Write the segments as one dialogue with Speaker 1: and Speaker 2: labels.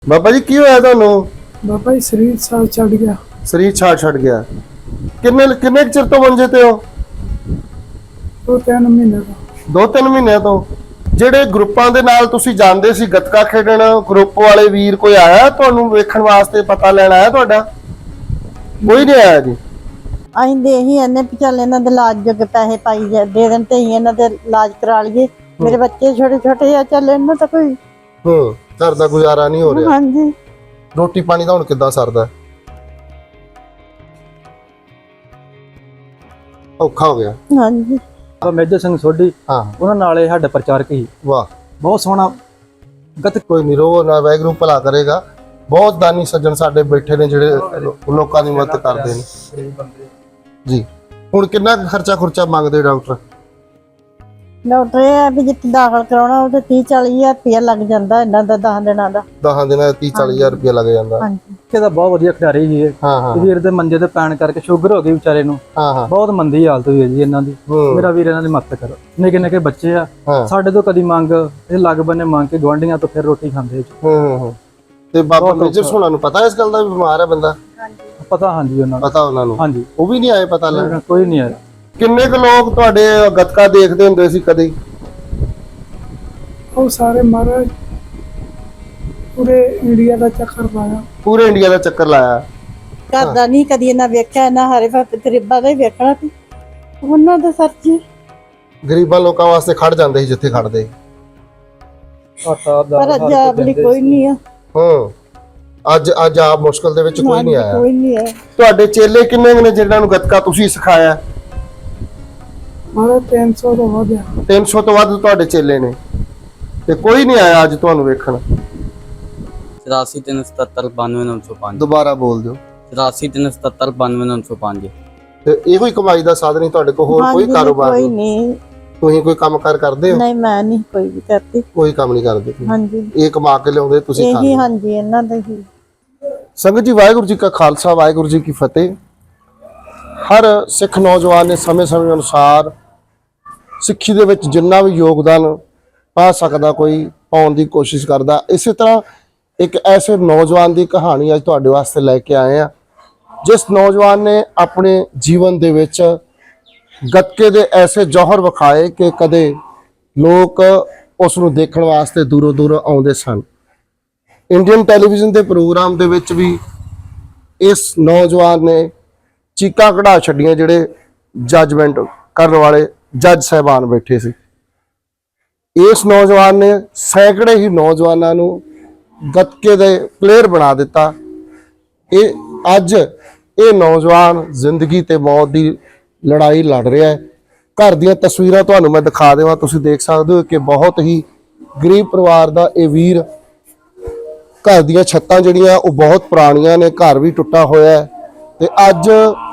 Speaker 1: ਬਾਬਾ ਜੀ ਕੀ ਹੋਇਆ ਤੁਹਾਨੂੰ?
Speaker 2: ਬਾਬਾ ਜੀ ਸਰੀਰ ਸਾਹ ਛੱਡ ਗਿਆ।
Speaker 1: ਸਰੀਰ ਛੱਡ ਗਿਆ। ਕਿੰਨੇ ਚਿਰ ਤੋਂ ਮੰਜੇ ਤੇ ਹੋ?
Speaker 2: 2-3 ਮਹੀਨੇ ਦਾ।
Speaker 1: 2-3 ਮਹੀਨਿਆਂ ਤੋਂ। ਜਿਹੜੇ ਗਰੁੱਪਾਂ ਦੇ ਨਾਲ ਤੁਸੀਂ ਜਾਂਦੇ ਸੀ ਗੱਤਕਾ ਖੇਡਣ, ਗਰੁੱਪ ਵਾਲੇ ਵੀਰ ਕੋਈ ਆਇਆ ਤੁਹਾਨੂੰ ਵੇਖਣ ਵਾਸਤੇ, ਪਤਾ ਲੈਣ ਆਇਆ ਤੁਹਾਡਾ? ਕੋਈ ਨਹੀਂ ਆਇਆ ਜੀ।
Speaker 3: ਅਸੀਂ ਦੇ ਹੀ ਇਹਨੇ ਵੀ ਚੱਲ ਇਹਨਾਂ ਦੇ ਇਲਾਜ ਜੋਗੇ ਪੈਸੇ ਪਾਈ ਦੇ ਦੇਣ ਤੇ ਅਸੀਂ ਇਹਨਾਂ ਦੇ ਇਲਾਜ ਕਰਾ ਲਈਏ। ਮੇਰੇ ਬੱਚੇ ਛੋਟੇ ਛੋਟੇ ਆ, ਚੱਲ ਇਹਨਾਂ ਤਾਂ ਕੋਈ
Speaker 1: ਘਰ ਦਾ ਗੁਜ਼ਾਰਾ ਨਹੀਂ ਹੋ ਰਿਹਾ।
Speaker 3: ਹਾਂਜੀ।
Speaker 1: ਰੋਟੀ ਪਾਣੀ ਦਾ ਹੁਣ ਕਿੱਦਾਂ ਸਰਦਾ? ਔਖਾ ਹੋ ਗਿਆ।
Speaker 3: ਹਾਂਜੀ।
Speaker 4: ਮੇਜਰ ਸਿੰਘ ਸੋਢੀ,
Speaker 1: ਹਾਂ,
Speaker 4: ਉਹਨਾਂ ਨਾਲ ਇਹ ਸਾਡੇ ਪ੍ਰਚਾਰਕ ਸੀ।
Speaker 1: ਵਾਹ,
Speaker 4: ਬਹੁਤ ਸੋਹਣਾ ਗੱਤਕਾ।
Speaker 1: ਕੋਈ ਨਹੀਂ, ਰੋ ਨਾ, ਵਾਹਿਗੁਰੂ ਭਲਾ ਕਰੇਗਾ। ਬਹੁਤ ਦਾਨੀ ਸੱਜਣ ਸਾਡੇ ਬੈਠੇ ਨੇ ਜਿਹੜੇ ਲੋਕਾਂ ਦੀ ਮਦਦ ਕਰਦੇ ਨੇ ਜੀ। ਹੁਣ ਕਿੰਨਾ ਖਰਚਾ ਮੰਗਦੇ ਡਾਕਟਰ?
Speaker 3: ਡਾਕਟਰ ਇਹ ਆ ਵੀ ਜਿੱਥੇ ਦਾਖਲ ਕਰਾਉਣਾ ਉਹਦੇ 30-40 ਹਜ਼ਾਰ ਰੁਪਇਆ ਲੱਗ ਜਾਂਦਾ ਇਹਨਾਂ ਦਾ 10 ਦਿਨਾਂ ਦਾ।
Speaker 1: 10 ਦਿਨਾਂ ਦਾ 30-40 ਹਜ਼ਾਰ ਰੁਪਇਆ ਲੱਗ ਜਾਂਦਾ।
Speaker 3: ਹਾਂਜੀ।
Speaker 4: ਇਹਦਾ ਬਹੁਤ ਵਧੀਆ ਖਿਡਾਰੀ ਸੀ ਇਹ।
Speaker 1: ਹਾਂ।
Speaker 4: ਵੀਰ ਦੇ ਮੰਜੇ ਤੇ ਪੈਣ ਕਰਕੇ ਸ਼ੂਗਰ ਹੋ ਗਈ ਵਿਚਾਰੇ ਨੂੰ।
Speaker 1: ਹਾਂ।
Speaker 4: ਬਹੁਤ ਮੰਦੀ ਹਾਲਤ ਹੋਈ ਹੈ ਜੀ ਇਹਨਾਂ ਦੀ। ਮੇਰਾ ਵੀਰ ਇਹਨਾਂ ਦੀ ਮਦਦ ਕਰੋ। ਨਿੱਕੇ ਬੱਚੇ ਆ, ਸਾਡੇ ਤੋਂ ਕਦੀ ਮੰਗ ਇਹ ਲੱਗ ਬੰਨੇ ਮੰਗ ਕੇ ਗਵਾਂਢੀਆਂ ਤੋਂ ਫਿਰ ਰੋਟੀ ਖਾਂਦੇ ਜੀ।
Speaker 1: ਤੇ ਬਾਬਾ ਮੇਜਰ ਸੋਹਣਾ ਨੂੰ ਪਤਾ ਇਸ ਗੱਲ ਦਾ ਵੀ ਬਿਮਾਰ ਹੈ ਬੰਦਾ?
Speaker 4: ਪਤਾ, ਹਾਂਜੀ ਉਹਨਾਂ ਨੂੰ
Speaker 1: ਪਤਾ। ਉਹਨਾਂ ਨੂੰ?
Speaker 4: ਹਾਂਜੀ।
Speaker 1: ਉਹ ਵੀ ਨਹੀਂ ਆਏ ਪਤਾ ਲੈਣ?
Speaker 4: ਕੋਈ ਨਹੀਂ ਆਇਆ।
Speaker 1: ਕਿੰਨੇ ਕੁ ਲੋਕ ਤੁਹਾਡੇ ਗੱਤਕਾ ਦੇਖਦੇ ਹੁੰਦੇ ਸੀ ਕਦੇ?
Speaker 2: ਉਹ ਸਾਰੇ ਮਹਾਰਾਜ ਪੂਰੇ ਇੰਡੀਆ ਦਾ ਚੱਕਰ ਲਾਇਆ।
Speaker 1: ਪੂਰੇ ਇੰਡੀਆ ਦਾ ਚੱਕਰ ਲਾਇਆ।
Speaker 3: ਘਰ ਦਾ ਨਹੀਂ ਕਦੀ ਇਹਨਾਂ ਵੇਖਿਆ, ਇਹਨਾਂ ਹਰੇ ਪਾਸੇ ਗਰੀਬਾਂ ਦਾ ਹੀ ਵੇਖਣਾ ਸੀ ਉਹਨਾਂ ਦਾ ਸਰਜੀ।
Speaker 1: ਗਰੀਬਾਂ ਲੋਕਾਂ ਵਾਸਤੇ ਖੜ ਜਾਂਦੇ ਸੀ ਜਿੱਥੇ ਖੜਦੇ।
Speaker 3: ਪਰ ਅੱਜ ਆਪਣੀ ਕੋਈ ਨਹੀਂ ਆ।
Speaker 1: ਅੱਜ ਆ ਮੁਸ਼ਕਲ ਦੇ ਵਿੱਚ ਕੋਈ ਨਹੀਂ ਆਇਆ।
Speaker 3: ਕੋਈ ਨਹੀਂ ਹੈ।
Speaker 1: ਤੁਹਾਡੇ ਚੇਲੇ ਕਿੰਨੇ ਨੇ ਜਿਹਨਾਂ ਨੂੰ ਗੱਤਕਾ ਤੁਸੀਂ ਸਿਖਾਇਆ?
Speaker 2: ਮਾਰਾ 300 ਤੋਂ ਵੱਧ ਆ।
Speaker 1: 300 ਤੋਂ ਵੱਧ ਤੁਹਾਡੇ ਚੇਲੇ ਨੇ, ਤੇ ਕੋਈ ਨਹੀਂ ਆਇਆ ਅੱਜ ਤੁਹਾਨੂੰ ਵੇਖਣ?
Speaker 5: 8337792905।
Speaker 1: ਦੁਬਾਰਾ ਬੋਲ ਦਿਓ।
Speaker 5: 8337792905।
Speaker 1: ਤੇ ਇਹੋ ਹੀ ਕਮਾਈ ਦਾ ਸਾਧਨ ਹੀ ਤੁਹਾਡੇ ਕੋਲ? ਹੋਰ ਕੋਈ ਕਾਰੋਬਾਰ
Speaker 3: ਕੋਈ ਨਹੀਂ?
Speaker 1: ਤੁਸੀਂ ਕੋਈ ਕੰਮਕਾਰ ਕਰਦੇ ਹੋ?
Speaker 3: ਨਹੀਂ, ਮੈਂ ਨਹੀਂ ਕੋਈ ਵੀ ਕਰਦੀ।
Speaker 1: ਕੋਈ ਕੰਮ ਨਹੀਂ ਕਰਦੇ ਤੁਸੀਂ?
Speaker 3: ਹਾਂਜੀ।
Speaker 1: ਇਹ ਕਮਾ ਕੇ ਲਿਆਉਂਦੇ ਤੁਸੀਂ
Speaker 3: ਇਹੀ?
Speaker 1: ਖਾਂਦੇ?
Speaker 3: ਹਾਂਜੀ, ਇਹਨਾਂ ਦਾ ਹੀ।
Speaker 1: ਸੰਗਤ ਜੀ, ਵਾਹਿਗੁਰੂ ਜੀ ਕਾ ਖਾਲਸਾ, ਵਾਹਿਗੁਰੂ ਜੀ ਕੀ ਫਤਿਹ। ਹਰ ਸਿੱਖ ਨੌਜਵਾਨ ਨੇ ਸਮੇਂ ਅਨੁਸਾਰ ਸਿੱਖੀ ਦੇ ਵਿੱਚ ਜਿੰਨਾ ਵੀ ਯੋਗਦਾਨ ਪਾ ਸਕਦਾ ਕੋਈ ਪਾਉਣ ਦੀ ਕੋਸ਼ਿਸ਼ ਕਰਦਾ। ਇਸੇ ਤਰ੍ਹਾਂ ਇੱਕ ਐਸੇ ਨੌਜਵਾਨ ਦੀ ਕਹਾਣੀ ਅੱਜ ਤੁਹਾਡੇ ਵਾਸਤੇ ਲੈ ਕੇ ਆਏ ਆ, ਜਿਸ ਨੌਜਵਾਨ ਨੇ ਆਪਣੇ ਜੀਵਨ ਦੇ ਵਿੱਚ ਗੱਤਕੇ ਦੇ ਐਸੇ ਜੌਹਰ ਵਿਖਾਏ ਕਿ ਕਦੇ ਲੋਕ ਉਸ ਨੂੰ ਦੇਖਣ ਵਾਸਤੇ ਦੂਰੋਂ ਆਉਂਦੇ ਸਨ। ਇੰਡੀਅਨ ਟੈਲੀਵਿਜ਼ਨ ਦੇ ਪ੍ਰੋਗਰਾਮ ਦੇ ਵਿੱਚ ਵੀ ਇਸ ਨੌਜਵਾਨ ਨੇ ਚੀਕਾਂ ਕਢਾ ਛੱਡੀਆਂ, ਜਿਹੜੇ ਜੱਜਮੈਂਟ ਕਰਨ ਵਾਲੇ ਜੱਜ ਸਾਹਿਬਾਨ ਬੈਠੇ ਸੀ। ਇਸ ਨੌਜਵਾਨ ਨੇ ਸੈਂਕੜੇ ਹੀ ਨੌਜਵਾਨਾਂ ਨੂੰ ਗੱਤਕੇ ਦੇ ਪਲੇਅਰ ਬਣਾ ਦਿੱਤਾ। ਅੱਜ ਇਹ ਨੌਜਵਾਨ ਜ਼ਿੰਦਗੀ ਤੇ ਮੌਤ ਦੀ ਲੜਾਈ ਲੜ ਰਿਹਾ ਹੈ। ਘਰ ਦੀਆਂ ਤਸਵੀਰਾਂ ਤੁਹਾਨੂੰ ਮੈਂ ਦਿਖਾ ਦੇਵਾਂ, ਤੁਸੀਂ ਦੇਖ ਸਕਦੇ ਹੋ ਕਿ ਬਹੁਤ ਹੀ ਗਰੀਬ ਪਰਿਵਾਰ ਦਾ ਇਹ ਵੀਰ। ਘਰ ਦੀਆਂ ਛੱਤਾਂ ਜਿਹੜੀਆਂ ਉਹ ਬਹੁਤ ਪੁਰਾਣੀਆਂ ਨੇ, ਘਰ ਵੀ ਟੁੱਟਾ ਹੋਇਆ ਹੈ, ਤੇ ਅੱਜ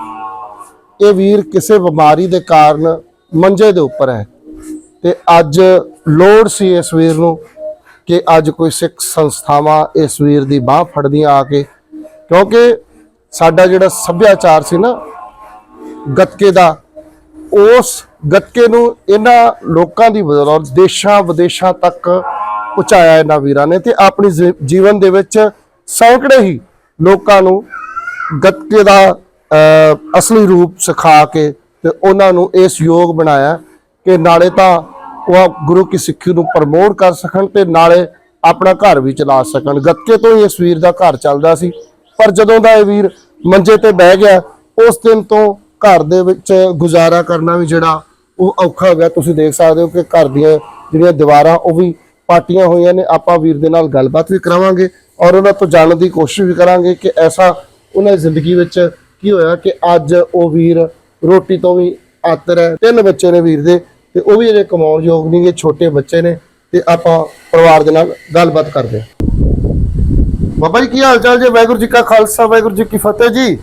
Speaker 1: ਇਹ ਵੀਰ ਕਿਸੇ ਬਿਮਾਰੀ ਦੇ ਕਾਰਨ ਮੰਜੇ ਦੇ ਉੱਪਰ ਹੈ। ਤੇ ਅੱਜ ਲੋੜ ਸੀ ਇਸ ਵੀਰ ਨੂੰ ਕਿ ਅੱਜ ਕੋਈ ਸਿੱਖ ਸੰਸਥਾਵਾਂ ਇਸ ਵੀਰ ਦੀ ਬਾਹ ਫੜਦੀਆਂ ਆ ਕੇ, ਕਿਉਂਕਿ ਸਾਡਾ ਜਿਹੜਾ ਸੱਭਿਆਚਾਰ ਸੀ ਨਾ ਗੱਤਕੇ ਦਾ, ਉਸ ਗੱਤਕੇ ਨੂੰ ਇਹਨਾਂ ਲੋਕਾਂ ਦੀ ਬਦੌਲਤ ਦੇਸ਼ਾਂ ਵਿਦੇਸ਼ਾਂ ਤੱਕ ਪਹੁੰਚਾਇਆ ਇਹਨਾਂ ਵੀਰਾਂ ਨੇ, ਤੇ ਆਪਣੀ ਜੀਵਨ ਦੇ ਵਿੱਚ ਸੈਂਕੜੇ ਹੀ ਲੋਕਾਂ ਨੂੰ ਗੱਤਕੇ ਦਾ ਅਸਲੀ ਰੂਪ ਸਿਖਾ ਕੇ ਤੇ ਉਹਨਾਂ ਨੂੰ ਇਸ ਯੋਗ ਬਣਾਇਆ ਕਿ ਨਾਲੇ ਤਾਂ ਉਹ ਗੁਰੂ ਕੀ ਸਿੱਖੀ ਨੂੰ ਪ੍ਰਮੋਟ ਕਰ ਸਕਣ ਤੇ ਨਾਲੇ ਆਪਣਾ ਘਰ ਵੀ ਚਲਾ ਸਕਣ। ਗੱਤਕੇ ਤੋਂ ਹੀ ਇਸ ਵੀਰ ਦਾ ਘਰ ਚੱਲਦਾ ਸੀ, ਪਰ ਜਦੋਂ ਦਾ ਇਹ ਵੀਰ ਮੰਜੇ ਤੇ ਬਹਿ ਗਿਆ ਉਸ ਦਿਨ ਤੋਂ ਘਰ ਦੇ ਵਿੱਚ ਗੁਜ਼ਾਰਾ ਕਰਨਾ ਵੀ ਜਿਹੜਾ ਉਹ ਔਖਾ ਹੋ ਗਿਆ। ਤੁਸੀਂ ਦੇਖ ਸਕਦੇ ਹੋ ਕਿ ਘਰ ਦੀਆਂ ਜਿਹੜੀਆਂ ਦੀਵਾਰਾਂ ਉਹ ਵੀ ਪਾਟੀਆਂ ਹੋਈਆਂ ਨੇ। ਆਪਾਂ ਵੀਰ ਦੇ ਨਾਲ ਗੱਲਬਾਤ ਵੀ ਕਰਾਵਾਂਗੇ ਔਰ ਉਹਨਾਂ ਤੋਂ ਜਾਣਨ ਦੀ ਕੋਸ਼ਿਸ਼ ਵੀ ਕਰਾਂਗੇ ਕਿ ਐਸਾ ਉਹਨਾਂ ਦੀ ਜ਼ਿੰਦਗੀ ਵਿੱਚ ਕੀ ਹੋਇਆ ਕਿ ਅੱਜ ਉਹ ਵੀਰ ਰੋਟੀ ਤੋਂ ਵੀ ਆਤਰ ਹੈ। 3 ਬੱਚੇ ਨੇ ਵੀਰ ਦੇ, ਤੇ ਉਹ ਵੀ ਅਜੇ ਕਮਾਉਣ ਯੋਗ ਨਹੀਂ ਗੇ, ਛੋਟੇ ਬੱਚੇ ਨੇ। ਤੇ ਆਪਾਂ ਪਰਿਵਾਰ ਦੇ ਨਾਲ ਗੱਲਬਾਤ ਕਰਦੇ ਹਾਂ। ਬਾਬਾ ਜੀ ਕੀ ਹਾਲ ਚਾਲ ਜੀ? ਵਾਹਿਗੁਰੂ ਜੀ ਕਾ ਖਾਲਸਾ, ਵਾਹਿਗੁਰੂ ਜੀ ਕੀ ਫਤਿਹ ਜੀ।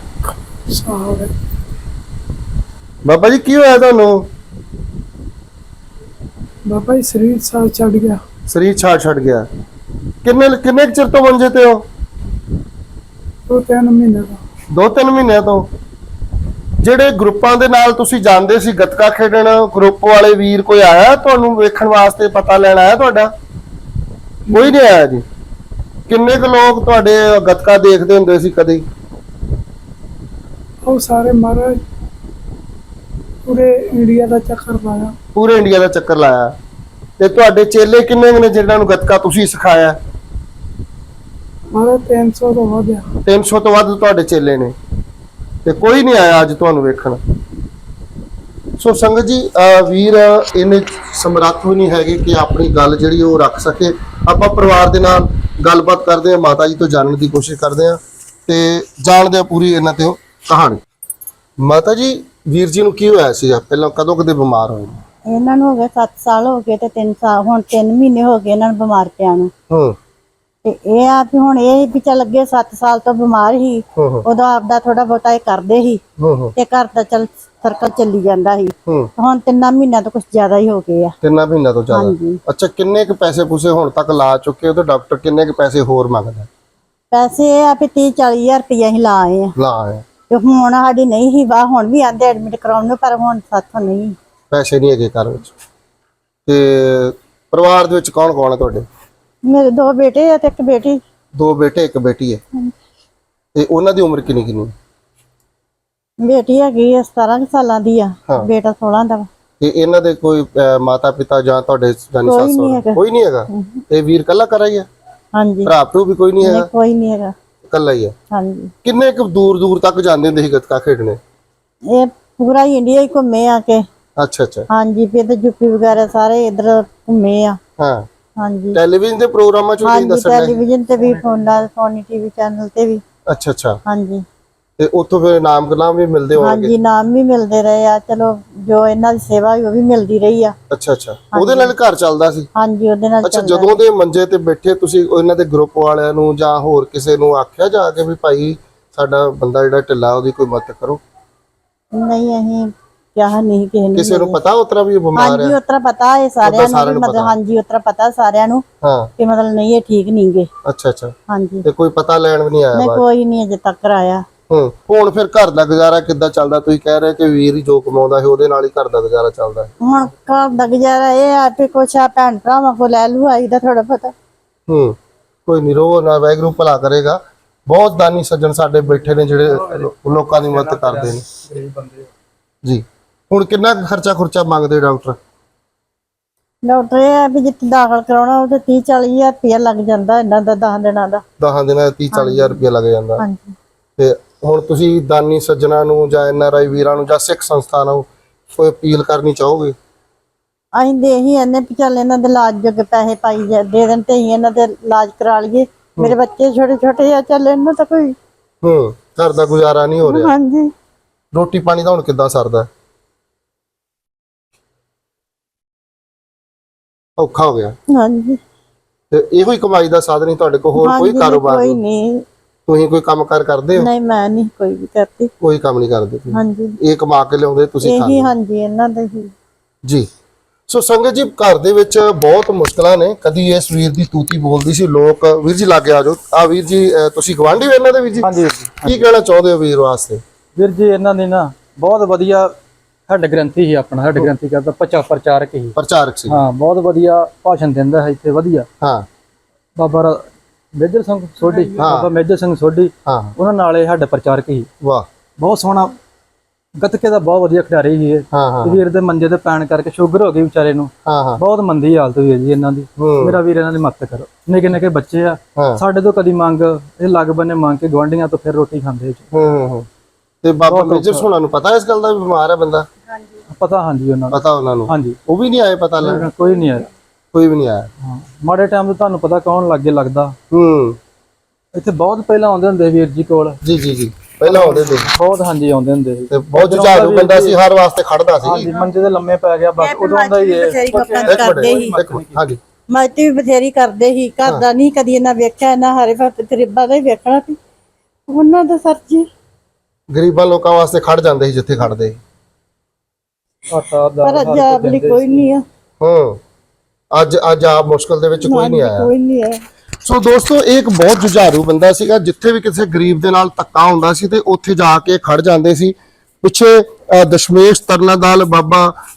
Speaker 1: ਬਾਬਾ ਜੀ ਕੀ ਹੋਇਆ ਤੁਹਾਨੂੰ?
Speaker 2: ਬਾਬਾ ਜੀ ਸਰੀਰ ਸਾਹ ਛੱਡ ਗਿਆ।
Speaker 1: ਸਰੀਰ ਛੱਡ ਗਿਆ। ਕਿੰਨੇ ਚਿਰ ਤੋਂ ਮੰਜੇ ਤੇ ਹੋ?
Speaker 2: 2-3 ਮਹੀਨੇ ਦਾ।
Speaker 1: 2-3 ਮਹੀਨਿਆਂ ਤੋਂ। ਜਿਹੜੇ ਗਰੁੱਪਾਂ ਦੇ ਨਾਲ ਤੁਸੀਂ ਜਾਂਦੇ ਸੀ ਗੱਤਕਾ ਖੇਡਣ, ਗਰੁੱਪ ਵਾਲੇ ਵੀਰ ਕੋਈ ਆਇਆ ਤੁਹਾਨੂੰ ਵੇਖਣ ਵਾਸਤੇ, ਪਤਾ ਲੈਣ ਆਇਆ ਤੁਹਾਡਾ? ਕੋਈ ਨਹੀਂ ਆਇਆ ਜੀ। ਕਿੰਨੇ ਕੁ ਲੋਕ ਤੁਹਾਡੇ ਗੱਤਕਾ ਦੇਖਦੇ ਹੁੰਦੇ ਸੀ ਕਦੇ?
Speaker 2: ਉਹ ਸਾਰੇ ਮਹਾਰਾਜ ਪੂਰੇ ਇੰਡੀਆ ਦਾ ਚੱਕਰ ਲਾਇਆ।
Speaker 1: ਪੂਰੇ ਇੰਡੀਆ ਦਾ ਚੱਕਰ ਲਾਇਆ। ਤੇ ਤੁਹਾਡੇ ਚੇਲੇ ਕਿੰਨੇ ਕੁ ਨੇ ਜਿਨ੍ਹਾਂ ਨੂੰ ਗੱਤਕਾ ਤੁਸੀਂ ਸਿਖਾਇਆ?
Speaker 2: ਮਹਾਰਾਜ 300 ਤੋਂ ਵੱਧ ਆ।
Speaker 1: 300 ਤੋਂ ਵੱਧ ਤੁਹਾਡੇ ਚੇਲੇ ਨੇ, ਤੇ ਕੋਈ ਨਹੀਂ ਆਇਆ ਅੱਜ ਤੁਹਾਨੂੰ ਵੇਖਣ। ਸੋ ਸੰਗਤ ਜੀ, ਵੀਰ ਇਹਨੇ ਸਮਰੱਥ ਵੀ ਨਹੀਂ ਹੈਗੇ ਕਿ ਆਪਣੀ ਗੱਲ ਜਿਹੜੀ ਉਹ ਰੱਖ ਸਕੇ। ਆਪਾਂ ਪਰਿਵਾਰ ਦੇ ਨਾਲ ਗੱਲਬਾਤ ਕਰਦੇ ਹਾਂ, ਮਾਤਾ ਜੀ ਤੋਂ ਜਾਣਨ ਦੀ ਕੋਸ਼ਿਸ਼ ਕਰਦੇ ਹਾਂ ਤੇ ਜਾਣਦੇ ਹਾਂ ਪੂਰੀ ਇਹਨਾਂ ਤੇ ਕਹਾਣੀ। ਮਾਤਾ ਜੀ, ਵੀਰ ਜੀ ਨੂੰ ਕੀ ਹੋਇਆ ਸੀ? ਪਹਿਲਾਂ ਕਦੋਂ ਕਦੇ ਬਿਮਾਰ ਹੋਏ?
Speaker 3: ਇਹਨਾਂ ਨੂੰ ਹੋ ਗਏ 7 ਸਾਲ ਹੋ ਗਏ ਤੇ 3 ਸਾਲ ਹੁਣ 3 ਮਹੀਨੇ ਹੋ ਗਏ ਇਹਨਾਂ ਨੂੰ ਬਿਮਾਰ ਪਿਆ ਨੂੰ। ਤੇ ਇਹ ਆ ਵੀ ਹੁਣ ਇਹ ਵੀ ਚੱਲ ਅੱਗੇ 7 ਸਾਲ ਤੋਂ ਬਿਮਾਰ ਸੀ, ਉਦੋਂ ਆਪਦਾ ਥੋੜਾ ਬਹੁਤਾ ਇਹ ਕਰਦੇ ਸੀ ਤੇ ਘਰ ਦਾ ਚੱਲ ਸਰਕਲ ਚੱਲੀ ਜਾਂਦਾ ਸੀ। ਹੁਣ 3 ਮਹੀਨਿਆਂ ਤੋਂ ਕੁਝ ਜ਼ਿਆਦਾ ਹੀ ਹੋ ਗਏ ਆ।
Speaker 1: 3 ਮਹੀਨਿਆਂ ਤੋਂ ਜ਼ਿਆਦਾ? ਅੱਛਾ, ਕਿੰਨੇ ਕੁ ਪੈਸੇ ਪੂਸੇ ਹੁਣ ਤੱਕ ਲਾ ਚੁੱਕੇ ਹੋ ਤੇ ਡਾਕਟਰ ਕਿੰਨੇ ਕੁ ਪੈਸੇ ਹੋਰ ਮੰਗਦਾ?
Speaker 3: ਪੈਸੇ ਇਹ ਆ ਵੀ 30-40 ਹਜ਼ਾਰ ਰੁਪਇਆ ਹੀ ਲਾ ਆਏ ਆ। ਤੇ ਹੁਣ ਸਾਡੀ ਨਹੀਂ ਸੀ ਵਾਹ, ਹੁਣ ਵੀ ਆਂਦੇ ਐਡਮਿਟ ਕਰਾਉਣ ਨੂੰ, ਪਰ ਹੁਣ ਸਾਥੋਂ ਨਹੀਂ ਪੈਸੇ
Speaker 1: ਨਹੀਂ ਹੈਗੇ ਘਰ ਵਿੱਚ। ਤੇ ਪਰਿਵਾਰ ਦੇ ਵਿੱਚ ਕੌਣ ਕੌਣ ਹੈ ਤੁਹਾਡੇ?
Speaker 3: ਮੇਰੇ 2 ਬੇਟੇ ਆ ਤੇ 1 ਬੇਟੀ।
Speaker 1: 2 ਬੇਟੇ 1 ਬੇਟੀ ਹੈ। ਤੇ ਉਹਨਾਂ ਦੀ ਉਮਰ ਕਿੰਨੀ ਕਿੰਨੀ?
Speaker 3: ਬੇਟੀ ਹੈਗੀ 17 ਸਾਲਾਂ ਦੀ ਆ, ਬੇਟਾ 16 ਦਾ ਵਾ।
Speaker 1: ਤੇ ਇਹਨਾਂ ਦੇ ਕੋਈ ਮਾਤਾ ਪਿਤਾ ਜਾਂ ਤੁਹਾਡੇ ਜਾਨੀ ਸੱਸ? ਕੋਈ ਨਹੀਂ ਹੈਗਾ। ਤੇ ਵੀਰ ਕੱਲਾ ਕਰਾ ਹੀ ਹੈ?
Speaker 3: ਹਾਂਜੀ।
Speaker 1: ਭਰਾ ਭਰੂ ਵੀ ਕੋਈ ਨਹੀਂ ਹੈਗਾ?
Speaker 3: ਕੋਈ ਨਹੀਂ ਹੈਗਾ,
Speaker 1: ਕੱਲਾ ਹੀ ਹੈ।
Speaker 3: ਹਾਂਜੀ।
Speaker 1: ਕਿੰਨੇ ਕੁ ਦੂਰ ਦੂਰ ਤੱਕ ਜਾਂਦੇ ਹੁੰਦੇ ਸੀ ਗੱਤਕਾ ਖੇਡਣੇ?
Speaker 3: ਇਹ ਪੂਰਾ ਇੰਡੀਆ ਹੀ ਘੁੰਮੇ ਆ ਕੇ।
Speaker 1: ਅੱਛਾ ਅੱਛਾ।
Speaker 3: ਹਾਂਜੀ, ਫਿਰ ਤੇ ਯੂਪੀ ਵਗੈਰਾ ਸਾਰੇ ਇਧਰ ਘੁੰਮੇ ਆ।
Speaker 1: ਹਾਂ।
Speaker 3: ਹਾਂਜੀ।
Speaker 1: ਟੈਲੀਵਿਜ਼ਨ ਦੇ ਪ੍ਰੋਗਰਾਮਾਂ ਚ ਵੀ ਦੱਸਣਾ?
Speaker 3: ਟੈਲੀਵਿਜ਼ਨ ਤੇ ਵੀ, ਸੋਨੀ ਟੀਵੀ ਚੈਨਲ ਤੇ ਵੀ।
Speaker 1: ਅੱਛਾ ਅੱਛਾ।
Speaker 3: ਹਾਂਜੀ।
Speaker 1: ਤੇ ਉੱਥੋਂ ਫਿਰ ਨਾਮ ਗਲਾਮ ਵੀ ਮਿਲਦੇ ਹੋਣਗੇ?
Speaker 3: ਹਾਂਜੀ, ਨਾਮ ਵੀ ਮਿਲਦੇ ਰਹੇ ਆ। ਚਲੋ ਜੋ ਇਹਨਾਂ ਦੀ ਸੇਵਾ ਉਹ ਵੀ ਮਿਲਦੀ ਰਹੀ ਆ।
Speaker 1: ਅੱਛਾ ਅੱਛਾ। ਉਹਦੇ ਨਾਲ ਘਰ ਚੱਲਦਾ ਸੀ?
Speaker 3: ਹਾਂਜੀ, ਉਹਦੇ ਨਾਲ।
Speaker 1: ਅੱਛਾ, ਜਦੋਂ ਦੇ ਮੰਜੇ ਤੇ ਬੈਠੇ ਤੁਸੀਂ ਇਹਨਾਂ ਦੇ ਗਰੁੱਪ ਵਾਲਿਆਂ ਨੂੰ ਜਾਂ ਹੋਰ ਕਿਸੇ ਨੂੰ ਆਖਿਆ ਜਾ ਕੇ ਵੀ ਭਾਈ ਸਾਡਾ ਬੰਦਾ ਜਿਹੜਾ ਢਿੱਲਾ ਉਹਦੀ ਕੋਈ ਮਦਦ ਕਰੋ?
Speaker 3: ਨਹੀਂ, ਅਸੀਂ ਕਿਹਾ ਨਹੀਂ
Speaker 1: ਕਿਸੇ ਨੂੰ ਪਤਾ ਉਤਰਾ ਵੀ ਬਿਮਾਰ ਹੈ?
Speaker 3: ਹਾਂਜੀ, ਉਤਰਾ ਪਤਾ ਹੈ ਸਾਰਿਆਂ ਨੂੰ, ਮਤਲਬ ਹਾਂਜੀ ਉਤਰਾ ਪਤਾ ਸਾਰਿਆਂ ਨੂੰ ਕਿ ਮਤਲਬ ਨਹੀਂ ਇਹ ਠੀਕ ਨਹੀਂਗੇ।
Speaker 1: ਅੱਛਾ ਅੱਛਾ।
Speaker 3: ਹਾਂਜੀ।
Speaker 1: ਤੇ ਕੋਈ ਪਤਾ ਲੈਣ ਵੀ ਨਹੀਂ ਆਇਆ?
Speaker 3: ਨਹੀਂ, ਕੋਈ ਨਹੀਂ ਅਜੇ ਤੱਕ ਆਇਆ।
Speaker 1: ਹੁਣ ਫਿਰ ਘਰ ਦਾ ਗੁਜ਼ਾਰਾ ਕਿੱਦਾਂ ਚੱਲਦਾ? ਤੁਸੀਂ ਕਹਿ ਰਹੇ ਕਿ ਵੀਰ ਹੀ ਜੋ ਕਮਾਉਂਦਾ ਹੈ ਉਹਦੇ ਨਾਲ ਹੀ ਘਰ ਦਾ ਗੁਜ਼ਾਰਾ ਚੱਲਦਾ ਹੈ।
Speaker 3: ਹੁਣ ਘਰ ਦਾ ਗੁਜ਼ਾਰਾ ਇਹ ਆ ਕਿ ਕੁਛ ਆ ਭੈਣ ਭਰਾਵਾਂ ਕੋਲ ਲੈ ਲੂ ਆਈਦਾ ਥੋੜਾ ਪਤਾ।
Speaker 1: ਕੋਈ ਨਹੀਂ, ਰੋ ਨਾ, ਵਾਹਿਗੁਰੂ ਭਲਾ ਕਰੇਗਾ। ਬਹੁਤ ਦਾਨੀ ਸੱਜਣ ਸਾਡੇ ਬੈਠੇ ਨੇ ਜਿਹੜੇ ਲੋਕਾਂ ਦੀ ਮਦਦ ਕਰਦੇ ਨੇ ਜੀ। ਹੁਣ ਕਿੰਨਾ ਖਰਚਾ ਮੰਗਦੇ ਡਾਕਟਰ?
Speaker 3: ਡਾਕਟਰ ਇਹ ਆ ਵੀ ਜਿੱਥੇ ਦਾਖਲ ਕਰਾਉਣਾ ਉਹ ਤੇ 30-40 ਹਜ਼ਾਰ ਰੁਪਇਆ ਲੱਗ ਜਾਂਦਾ ਇਹਨਾਂ ਦਾ 10 ਦਿਨਾਂ ਦਾ।
Speaker 1: 10 ਦਿਨਾਂ ਦਾ 30-40 ਹਜ਼ਾਰ ਰੁਪਇਆ ਲੱਗ ਜਾਂਦਾ।
Speaker 3: ਹਾਂਜੀ।
Speaker 1: ਤੇ ਹੁਣ ਤੁਸੀਂ ਦਾਨੀ ਸੱਜਣਾ ਨੂੰ ਜਾਂ NRI ਵੀਰਾਂ ਨੂੰ ਜਾਂ ਸਿੱਖ ਸੰਸਥਾ ਨੂੰ ਕੋਈ ਅਪੀਲ ਕਰਨੀ ਚਾਹੋਗੇ?
Speaker 3: ਅਸੀਂ ਦੇ ਹੀ ਇਹਨੇ ਵੀ ਚੱਲ ਇਹਨਾਂ ਦੇ ਇਲਾਜ ਜੋਗੇ ਪੈਸੇ ਪਾਈ ਦੇ ਦੇਣ ਤੇ ਹੀ ਇਹਨਾਂ ਦੇ ਇਲਾਜ ਕਰਾ ਲਈਏ। ਮੇਰੇ ਬੱਚੇ ਛੋਟੇ ਆ, ਚੱਲ ਇਹਨਾਂ ਤਾਂ ਕੋਈ
Speaker 1: ਘਰ ਦਾ ਗੁਜ਼ਾਰਾ ਨਹੀਂ ਹੋ ਰਿਹਾ।
Speaker 3: ਹਾਂਜੀ।
Speaker 1: ਰੋਟੀ ਪਾਣੀ ਦਾ ਹੁਣ ਕਿੱਦਾਂ ਸਰਦਾ? ਔਖਾ ਹੋ ਗਿਆ।
Speaker 3: ਹਾਂਜੀ।
Speaker 1: ਤੇ ਇਹੋ ਹੀ ਕਮਾਈ ਦਾ ਸਾਧਨ ਹੀ ਤੁਹਾਡੇ ਕੋਲ? ਹੋਰ ਕੋਈ ਕਾਰੋਬਾਰ
Speaker 3: ਕੋਈ ਨਹੀਂ?
Speaker 1: ਤੁਸੀਂ ਕੋਈ ਕੰਮਕਾਰ ਕਰਦੇ ਹੋ?
Speaker 3: ਨਹੀਂ, ਮੈਂ ਨਹੀਂ ਕੋਈ ਵੀ ਕਰਦੀ।
Speaker 1: ਕੋਈ ਕੰਮ ਨਹੀਂ ਕਰਦੇ?
Speaker 3: ਹਾਂਜੀ।
Speaker 1: ਇਹ ਕਮਾ ਕੇ ਲਿਆਉਂਦੇ ਤੁਸੀਂ ਖਾਂਦੇ?
Speaker 3: ਹਾਂਜੀ, ਇਹਨਾਂ ਦੇ ਹੀ
Speaker 1: ਜੀ। ਸੋ ਸੰਗਤ ਜੀ, ਘਰ ਦੇ ਵਿੱਚ ਬਹੁਤ ਮੁਸ਼ਕਲਾਂ ਨੇ। ਕਦੀ ਇਸ ਵੀਰ ਦੀ ਤੂਤੀ ਬੋਲਦੀ ਸੀ, ਲੋਕ ਵੀਰ ਜੀ ਲਾਗੇ ਆ ਜਾਓ। ਆ ਵੀਰ ਜੀ, ਤੁਸੀਂ ਗਵਾਂਢੀ ਹੋ ਇਹਨਾਂ ਦੇ ਵੀਰ ਜੀ?
Speaker 4: ਹਾਂਜੀ।
Speaker 1: ਕੀ ਕਹਿਣਾ ਚਾਹੁੰਦੇ ਹੋ ਵੀਰ ਵਾਸਤੇ?
Speaker 4: ਵੀਰ ਜੀ, ਇਹਨਾਂ ਦੀ ਨਾ ਬਹੁਤ ਵਧੀਆ ਹੈਡ ਗ੍ਰੰਥੀ ਸੀ ਆਪਣਾ। ਹੈਡ ਗ੍ਰੰਥੀ ਕਰਦਾ ਪ੍ਰਚਾਰਕ ਹੀ।
Speaker 1: ਪ੍ਰਚਾਰਕ ਸੀ?
Speaker 4: ਹਾਂ, ਬਹੁਤ ਵਧੀਆ ਭਾਸ਼ਣ ਦਿੰਦਾ ਹੈ ਇੱਥੇ, ਵਧੀਆ।
Speaker 1: ਹਾਂ।
Speaker 4: ਬਾਬਾ ਮੇਜਰ ਸਿੰਘ ਸੋਢੀ, ਬਾਬਾ ਮੇਜਰ ਸਿੰਘ ਸੋਢੀ, ਉਹਨਾਂ ਨਾਲ ਇਹ ਸਾਡਾ ਪ੍ਰਚਾਰਕ ਸੀ। ਵਾਹ, ਬਹੁਤ ਸੋਹਣਾ ਗੱਤਕੇ ਦਾ ਬਹੁਤ ਵਧੀਆ ਖਿਡਾਰੀ ਸੀ ਇਹ। ਵੀਰ ਦੇ ਮੰਜੇ ਤੇ ਪੈਣ ਕਰਕੇ ਸ਼ੂਗਰ ਹੋ ਗਈ ਵਿਚਾਰੇ ਨੂੰ। ਬਹੁਤ ਮੰਦੀ ਹਾਲਤ ਹੋਈ ਹੈ ਜੀ ਇਹਨਾਂ ਦੀ। ਮੇਰਾ ਵੀਰ ਇਹਨਾਂ ਦੀ ਮਦਦ ਕਰੋ। ਨਿੱਕੇ ਨਿੱਕੇ ਬੱਚੇ ਆ, ਸਾਡੇ ਤੋਂ ਕਦੀ ਮੰਗ, ਇਹ ਲੱਗ ਬੰਨੇ ਮੰਗ ਕੇ ਗੁਆਂਢੀਆਂ ਤੋਂ ਫਿਰ ਰੋਟੀ ਖਾਂਦੇ।
Speaker 1: ਤੇ ਬਾਬਾ ਮੇਜਰ ਸੋਹਣਾ ਨੂੰ ਪਤਾ ਇਸ ਗੱਲ ਦਾ ਵੀ ਬਿਮਾਰ ਹੈ ਬੰਦਾ?
Speaker 4: ਪਤਾ, ਹਾਂਜੀ, ਉਹਨਾਂ ਨੂੰ
Speaker 1: ਪਤਾ। ਉਹਨਾਂ ਨੂੰ?
Speaker 4: ਹਾਂਜੀ।
Speaker 1: ਉਹ ਵੀ ਨਹੀਂ ਆਏ ਪਤਾ ਲੈਣ?
Speaker 4: ਕੋਈ ਨਹੀਂ ਆਇਆ।
Speaker 1: ਕੋਈ ਵੀ ਨਹੀਂ ਆਇਆ?
Speaker 4: ਮਾੜੇ ਟਾਈਮ ਤੇ ਤੁਹਾਨੂੰ ਪਤਾ ਕੌਣ ਲੱਗੇ ਲੱਗਦਾ। ਇੱਥੇ ਬਹੁਤ ਪਹਿਲਾਂ ਆਉਂਦੇ ਹੁੰਦੇ ਵੀਰ ਜੀ ਕੋਲ।
Speaker 1: ਜੀ ਜੀ ਜੀ, ਪਹਿਲਾਂ ਆਉਂਦੇ ਸੀ
Speaker 4: ਬਹੁਤ। ਹਾਂਜੀ, ਆਉਂਦੇ ਹੁੰਦੇ ਸੀ।
Speaker 1: ਤੇ ਬਹੁਤ ਜੁਝਾਰੂ ਬੰਦਾ ਸੀ, ਹਰ ਵਾਸਤੇ ਖੜਦਾ ਸੀ।
Speaker 4: ਹਾਂਜੀ, ਮੰਜੇ ਤੇ ਲੰਮੇ ਪੈ ਗਿਆ ਬਸ, ਉਦੋਂ ਆਉਂਦਾ ਹੀ ਇਹ।
Speaker 1: ਹਾਂਜੀ।
Speaker 3: ਮਦਦ ਵੀ ਬਥੇਰੀ ਕਰਦੇ ਸੀ। ਘਰ ਦਾ ਨਹੀਂ ਕਦੀ ਇਹਨਾਂ ਵੇਖਿਆ, ਇਹਨਾਂ ਹਰੇ ਵਕਤ ਗਰੀਬਾਂ ਦਾ ਹੀ ਵੇਖਣਾ ਸੀ ਉਹਨਾਂ ਦਾ। ਸਰ ਜੀ,
Speaker 1: ਗਰੀਬਾਂ ਲੋਕਾਂ ਵਾਸਤੇ ਖੜ ਜਾਂਦੇ ਸੀ ਜਿੱਥੇ ਖੜਦੇ ਸੀ।
Speaker 3: ਪਰ ਅੱਜ ਆਪਣੀ ਕੋਈ ਨਹੀਂ ਆ।
Speaker 1: ਅੱਜ ਆਪ ਮੁਸ਼ਕਲ ਦੇ ਵਿੱਚ ਕੋਈ ਨਹੀਂ ਆਇਆ।
Speaker 3: ਕੋਈ ਨਹੀਂ ਆਇਆ।
Speaker 1: ਸੋ ਦੋਸਤੋ, ਇਹ ਇੱਕ ਬਹੁਤ ਜੁਝਾਰੂ ਬੰਦਾ ਸੀਗਾ। ਜਿੱਥੇ ਵੀ ਕਿਸੇ ਗਰੀਬ ਦੇ ਨਾਲ ਧੱਕਾ ਹੁੰਦਾ ਸੀ ਤੇ ਉੱਥੇ ਜਾ ਕੇ ਖੜ ਜਾਂਦੇ ਸੀ। ਪਿੱਛੇ ਦਸ਼ਮੇਸ਼ ਤਰਨਾਦਲ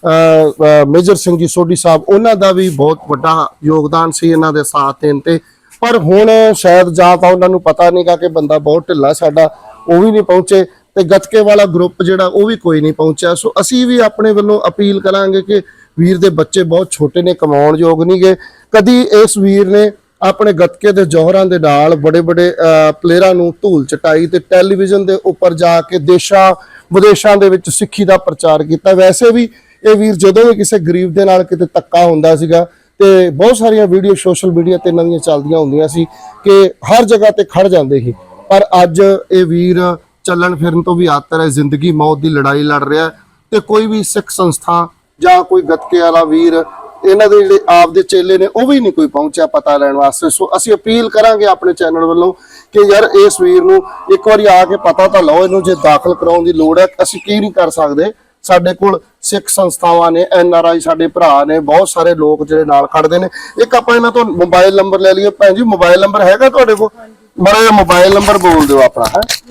Speaker 1: ਬਾਬਾ ਮੇਜਰ ਸਿੰਘ ਜੀ ਸੋਢੀ ਸਾਹਿਬ, ਉਹਨਾਂ ਦਾ ਵੀ ਬਹੁਤ ਵੱਡਾ ਯੋਗਦਾਨ ਸੀ ਇਹਨਾਂ ਦੇ ਸਾਥ ਦੇਣ ਤੇ। ਪਰ ਹੁਣ ਸ਼ਾਇਦ ਜਾਂ ਤਾਂ ਉਹਨਾਂ ਨੂੰ ਪਤਾ ਨਹੀਂਗਾ ਕਿ ਬੰਦਾ ਬਹੁਤ ਢਿੱਲਾ ਸਾਡਾ, ਉਹ ਵੀ ਨਹੀਂ ਪਹੁੰਚੇ, ਤੇ ਗੱਤਕੇ ਵਾਲਾ ਗਰੁੱਪ ਜਿਹੜਾ ਉਹ ਵੀ ਕੋਈ ਨਹੀਂ ਪਹੁੰਚਿਆ। ਸੋ ਅਸੀਂ ਵੀ ਆਪਣੇ ਵੱਲੋਂ ਅਪੀਲ ਕਰਾਂਗੇ ਕਿ ਵੀਰ ਦੇ ਬੱਚੇ ਬਹੁਤ ਛੋਟੇ ਨੇ, ਕਮਾਉਣ ਯੋਗ ਨਹੀਂਗੇ। ਕਦੀ ਇਸ ਵੀਰ ਨੇ ਆਪਣੇ ਗੱਤਕੇ ਦੇ ਜੌਹਰਾਂ ਦੇ ਨਾਲ ਬੜੇ ਪਲੇਅਰਾਂ ਨੂੰ ਧੂਲ ਚਟਾਈ ਤੇ ਟੈਲੀਵਿਜ਼ਨ ਦੇ ਉੱਪਰ ਜਾ ਕੇ ਦੇਸ਼ਾਂ ਵਿਦੇਸ਼ਾਂ ਦੇ ਵਿੱਚ ਸਿੱਖੀ ਦਾ ਪ੍ਰਚਾਰ ਕੀਤਾ। ਵੈਸੇ ਵੀ ਇਹ ਵੀਰ ਜਦੋਂ ਵੀ ਕਿਸੇ ਗਰੀਬ ਦੇ ਨਾਲ ਕਿਤੇ ਧੱਕਾ ਹੁੰਦਾ ਸੀਗਾ ਤੇ ਬਹੁਤ ਸਾਰੀਆਂ ਵੀਡੀਓ ਸੋਸ਼ਲ ਮੀਡੀਆ ਤੇ ਇਹਨਾਂ ਦੀਆਂ ਚੱਲਦੀਆਂ ਹੁੰਦੀਆਂ ਸੀ ਕਿ ਹਰ ਜਗ੍ਹਾ ਤੇ ਖੜ ਜਾਂਦੇ ਸੀ। ਪਰ ਅੱਜ ਇਹ ਵੀਰ ਚੱਲਣ ਫਿਰਨ ਤੋਂ ਵੀ ਆਤਰ ਹੈ, ਜ਼ਿੰਦਗੀ ਮੌਤ ਦੀ ਲੜਾਈ ਲੜ ਰਿਹਾ ਤੇ ਕੋਈ ਵੀ ਸਿੱਖ ਸੰਸਥਾ ਜਾਂ ਕੋਈ ਗੱਤਕੇ ਵਾਲਾ ਵੀਰ, ਇਹਨਾਂ ਦੇ ਜਿਹੜੇ ਆਪ ਦੇ ਚੇਲੇ ਨੇ, ਉਹ ਵੀ ਨਹੀਂ ਕੋਈ ਪਹੁੰਚਿਆ ਪਤਾ ਲੈਣ ਵਾਸਤੇ। ਸੋ ਅਸੀਂ ਅਪੀਲ ਕਰਾਂਗੇ ਆਪਣੇ ਚੈਨਲ ਵੱਲੋਂ ਕਿ ਯਾਰ ਇਸ ਵੀਰ ਨੂੰ ਇੱਕ ਵਾਰੀ ਆ ਕੇ ਪਤਾ ਤਾਂ ਲਓ, ਇਹਨੂੰ ਜੇ ਦਾਖਲ ਕਰਾਉਣ ਦੀ ਲੋੜ ਹੈ। ਅਸੀਂ ਕੀ ਨਹੀਂ ਕਰ ਸਕਦੇ, ਸਾਡੇ ਕੋਲ ਸਿੱਖ ਸੰਸਥਾਵਾਂ ਨੇ, NRI ਸਾਡੇ ਭਰਾ ਨੇ, ਬਹੁਤ ਸਾਰੇ ਲੋਕ ਜਿਹੜੇ ਨਾਲ ਖੜਦੇ ਨੇ। ਇੱਕ ਆਪਾਂ ਇਹਨਾਂ ਤੋਂ ਮੋਬਾਈਲ ਨੰਬਰ ਲੈ ਲਈਏ। ਭੈਣ ਜੀ ਮੋਬਾਈਲ ਨੰਬਰ ਹੈਗਾ ਤੁਹਾਡੇ ਕੋਲ? ਮਾੜਾ ਜਿਹਾ ਮੋਬਾਈਲ ਨੰਬਰ ਬੋਲ ਦਿਓ ਆਪਣਾ।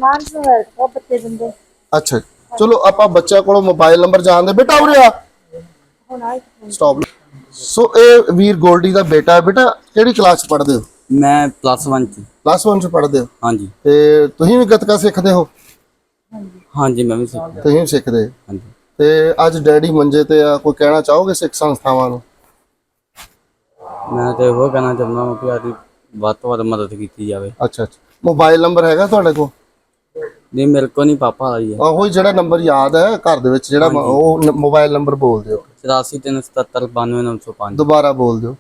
Speaker 1: ਹੈ ਅੱਛਾ, ਚਲੋ ਆਪਾਂ ਬੱਚਿਆਂ ਕੋਲੋਂ ਮੋਬਾਈਲ ਨੰਬਰ ਜਾਣਦੇ। ਬੇਟਾ ਉਰੇ ਆ, ਸਟਾਪ। ਸੋ ਇਹ ਵੀਰ ਗੋਲਡੀ ਦਾ ਬੇਟਾ ਹੈ। ਬੇਟਾ ਕਿਹੜੀ ਕਲਾਸ ਚ ਪੜ੍ਹਦੇ ਹੋ?
Speaker 5: ਮੈਂ +1 ਚ।
Speaker 1: +1 ਚ ਪੜ੍ਹਦੇ ਹੋ?
Speaker 5: ਹਾਂਜੀ।
Speaker 1: ਤੇ ਤੁਸੀਂ ਵੀ ਗੱਤਕਾ ਸਿੱਖਦੇ ਹੋ?
Speaker 5: ਹਾਂਜੀ ਮੈਂ ਵੀ ਸਿੱਖਦਾ।
Speaker 1: ਤੁਸੀਂ ਵੀ ਸਿੱਖਦੇ?
Speaker 5: ਹਾਂਜੀ।
Speaker 1: ਤੇ ਅੱਜ ਡੈਡੀ ਮੰਜੇ ਤੇ ਆ, ਕੋਈ ਕਹਿਣਾ ਚਾਹੋਗੇ ਸਿੱਖ ਸੰਸਥਾਵਾਂ ਨੂੰ?
Speaker 5: ਮੈਂ ਤੇ ਉਹ ਕਹਿਣਾ ਚਾਹੁੰਦਾ ਹਾਂ ਕਿ ਆਦੀ ਵੱਧ ਤੋਂ ਵੱਧ ਮਦਦ ਕੀਤੀ ਜਾਵੇ।
Speaker 1: ਅੱਛਾ, ਮੋਬਾਈਲ ਨੰਬਰ ਹੈਗਾ ਤੁਹਾਡੇ ਕੋਲ?
Speaker 5: ਨਹੀਂ ਮੇਰੇ ਕੋਲ ਨਹੀਂ, ਪਾਪਾ ਦਾ ਹੀ ਹੈ।
Speaker 1: ਉਹੀ ਜਿਹੜਾ ਨੰਬਰ ਯਾਦ ਹੈ ਘਰ ਦੇ ਵਿੱਚ, ਜਿਹੜਾ ਉਹ ਮੋਬਾਈਲ ਨੰਬਰ ਬੋਲ ਦਿਓ।
Speaker 5: 8437792905।
Speaker 1: ਦੁਬਾਰਾ ਬੋਲ ਦਿਓ।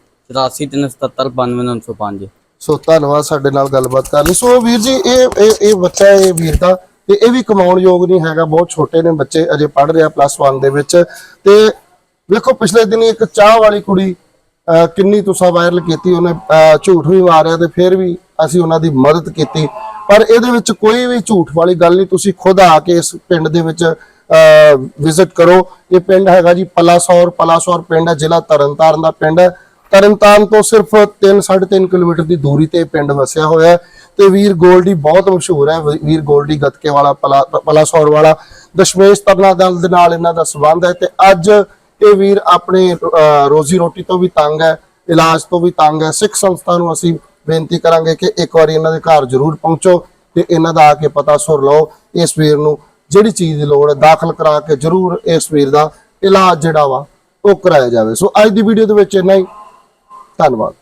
Speaker 5: 8437792905।
Speaker 1: ਸੋ ਧੰਨਵਾਦ ਸਾਡੇ ਨਾਲ ਗੱਲਬਾਤ ਕਰਨ ਲਈ। ਸੋ ਵੀਰ ਜੀ ਇਹ ਬੱਚਾ, ਇਹ ਵੀਰ ਦਾ, ਤੇ ਇਹ ਵੀ ਕਮਾਉਣ ਯੋਗ ਨਹੀਂ ਹੈਗਾ, ਬਹੁਤ ਛੋਟੇ ਨੇ ਬੱਚੇ, ਅਜੇ ਪੜ੍ਹ ਰਿਹਾ +1 ਦੇ ਵਿੱਚ। ਤੇ ਵੇਖੋ ਪਿਛਲੇ ਦਿਨੀ ਇੱਕ ਚਾਹ ਵਾਲੀ ਕੁੜੀ ਕਿੰਨੀ ਤੁਸੀਂ ਵਾਇਰਲ ਕੀਤੀ, ਉਹਨੇ ਝੂਠ ਵੀ ਮਾਰਿਆ ਤੇ ਫਿਰ ਵੀ ਅਸੀਂ ਉਹਨਾਂ ਦੀ ਮਦਦ ਕੀਤੀ। ਪਰ ਇਹਦੇ ਵਿੱਚ ਕੋਈ ਵੀ ਝੂਠ ਵਾਲੀ ਗੱਲ ਨਹੀਂ। ਤੁਸੀਂ ਖੁਦ ਆ ਕੇ ਇਸ ਪਿੰਡ ਦੇ ਵਿੱਚ ਵਿਜ਼ਿਟ ਕਰੋ। ਇਹ ਪਿੰਡ ਹੈਗਾ ਜੀ ਪਲਾਸੌਰ ਪਿੰਡ ਹੈ, ਜ਼ਿਲ੍ਹਾ ਤਰਨਤਾਰਨ ਦਾ ਪਿੰਡ ਹੈ। ਤਰਨਤਾਰਨ ਤੋਂ ਸਿਰਫ 3-3.5 ਕਿਲੋਮੀਟਰ ਦੀ ਦੂਰੀ ਤੇ ਇਹ ਪਿੰਡ ਵਸਿਆ ਹੋਇਆ ਹੈ। ਤੇ ਵੀਰ ਗੋਲਡੀ ਬਹੁਤ ਮਸ਼ਹੂਰ ਹੈ। ਵੀਰ ਗੋਲਡੀ ਗੱਤਕੇ ਵਾਲਾ, ਪਲਾਸੌਰ ਵਾਲਾ, ਦਸ਼ਮੇਸ਼ ਤਰਨਾ ਦਲ ਦੇ ਨਾਲ ਇਹਨਾਂ ਦਾ ਸੰਬੰਧ ਹੈ। ਤੇ ਅੱਜ ਇਹ ਵੀਰ ਆਪਣੇ ਰੋਜ਼ੀ ਰੋਟੀ ਤੋਂ ਵੀ ਤੰਗ ਹੈ, ਇਲਾਜ ਤੋਂ ਵੀ ਤੰਗ ਹੈ। ਸਿੱਖ ਸੰਸਥਾ ਨੂੰ ਅਸੀਂ ਬੇਨਤੀ ਕਰਾਂਗੇ ਕਿ ਇੱਕ ਵਾਰੀ ਇਹਨਾਂ ਦੇ ਘਰ ਜ਼ਰੂਰ ਪਹੁੰਚੋ ਤੇ ਇਹਨਾਂ ਦਾ ਆ ਕੇ ਪਤਾ ਸੁਰ ਲਓ। ਇਸ ਵੀਰ ਨੂੰ ਜਿਹੜੀ ਚੀਜ਼ ਦੀ ਲੋੜ ਹੈ ਦਾਖਲ ਕਰਾ ਕੇ ਜ਼ਰੂਰ ਇਸ ਵੀਰ ਦਾ ਇਲਾਜ ਜਿਹੜਾ ਵਾ ਉਹ ਕਰਾਇਆ ਜਾਵੇ। ਸੋ ਅੱਜ ਦੀ ਵੀਡੀਓ ਦੇ ਵਿੱਚ ਇੰਨਾ ਹੀ। ਧੰਨਵਾਦ।